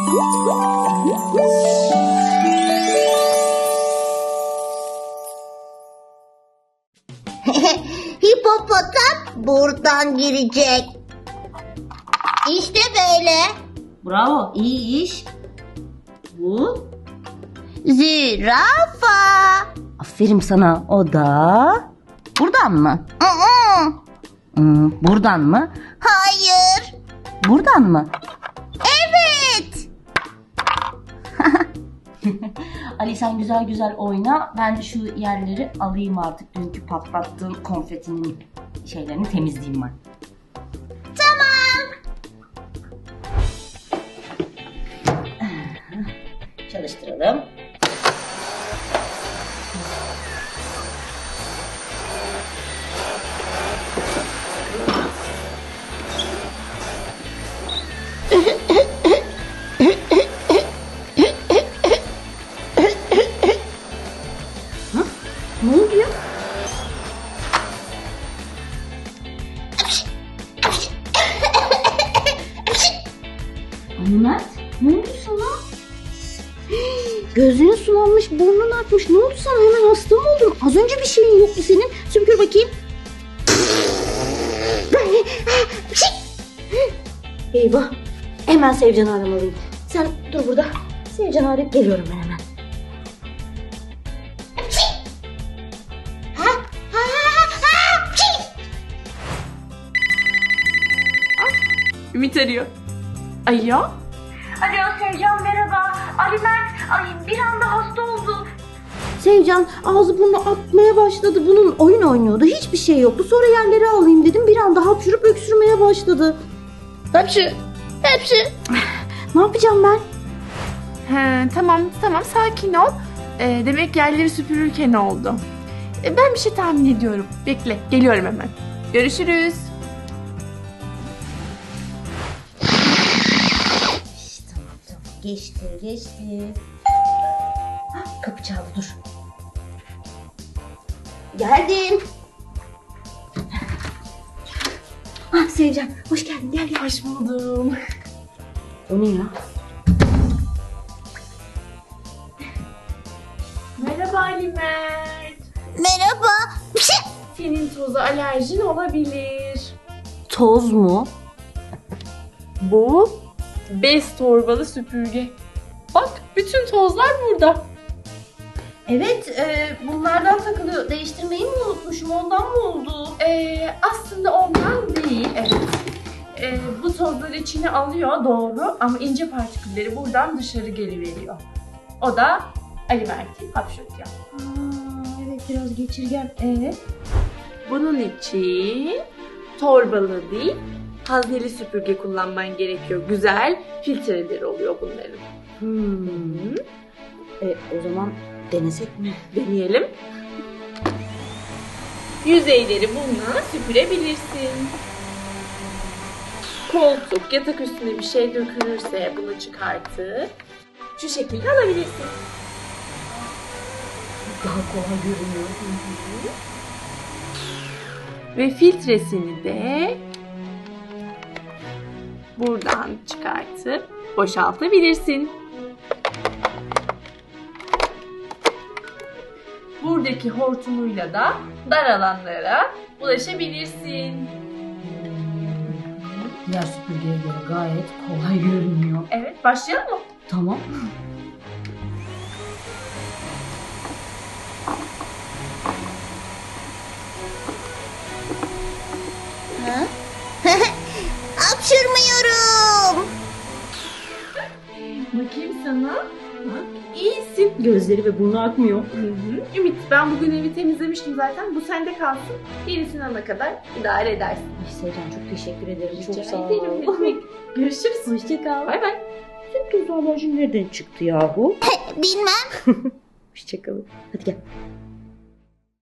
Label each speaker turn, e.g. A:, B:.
A: Hipopotam buradan girecek. İşte böyle.
B: Bravo, iyi iş. Bu?
A: Zürafa.
B: Aferin sana. O da buradan mı? Buradan mı?
A: Hayır.
B: Buradan mı?
A: Evet.
B: Ali sen güzel güzel oyna. Ben şu yerleri alayım artık. Dünkü patlattığım konfetinin şeylerini temizleyeyim ben.
A: Tamam.
B: Çalıştıralım. Ne oluyor? Ali Mert, ne oldu sana? Gözlerin sulanmış, burnun akmış. Ne oldu sana? Hemen hasta mı oldun? Az önce bir şeyin yoktu senin. Sümkür bakayım. Eyvah. Hemen Sevcan'ı aramalıyım. Sen dur burada. Sevcan'ı arayıp geliyorum ben hemen.
C: Ümit arıyor. Alo?
D: Alo Sevcan merhaba. Ali Mert bir anda hasta oldu.
B: Sevcan ağzı burnu akmaya başladı. Bunun oyun oynuyordu. Hiçbir şey yoktu. Sonra yerleri alayım dedim. Bir anda hapşurup öksürmeye başladı. Hapşı. Ne yapacağım ben?
C: He, tamam sakin ol. Demek yerleri süpürürken oldu. Ben bir şey tahmin ediyorum. Bekle geliyorum hemen. Görüşürüz.
B: Tamam. Geçti. Kapı çaldı dur. Geldim. Sevcan hoş geldin gel.
C: Hoş buldum.
B: O ne ya?
C: Merhaba Ali Mert.
A: Merhaba.
C: Senin toza alerjin olabilir.
B: Toz mu?
C: Bu bez torbalı süpürge. Bak bütün tozlar burada.
B: Evet bunlardan takılıyor. Değiştirmeyi mi unutmuşum ondan mı oldu?
C: Aslında ondan değil. Evet. Bu tozları içine alıyor doğru ama ince partikülleri buradan dışarı geliveriyor. O da Ali Mert'i hapşırtıyor.
B: Evet biraz geçirgen.
C: Bunun için torbalı değil, hazneli süpürge kullanman gerekiyor. Güzel filtreleri oluyor bunların.
B: O zaman denesek mi?
C: Deneyelim. Yüzeyleri bununla süpürebilirsin. Koltuk, yatak üstüne bir şey dökülürse bunu çıkartıp şu şekilde alabilirsin.
B: Daha kolay görünüyor.
C: Ve filtresini de buradan çıkartıp boşaltabilirsin. Buradaki hortumuyla da dar alanlara ulaşabilirsin.
B: Diğer süpürgeye göre gayet kolay görünüyor.
C: Evet, başlayalım mı?
B: Tamam.
A: Hapşırmıyorum.
C: Bakayım sana. Bak, iyisin.
B: Gözleri ve burnu akmıyor.
C: Ümit, ben bugün evi temizlemiştim zaten. Bu sende kalsın. Yenisini alana kadar idare edersin.
B: Ay Sevcan çok teşekkür ederim.
C: Rica
B: Çok sağ
C: ederim, ne
B: ol.
C: demek. Görüşürüz.
B: Hoşça kal.
C: Bay bay.
B: Senin toz alerjin nereden çıktı yahu?
A: Bilmem.
B: Hoşça kalın. Hadi gel.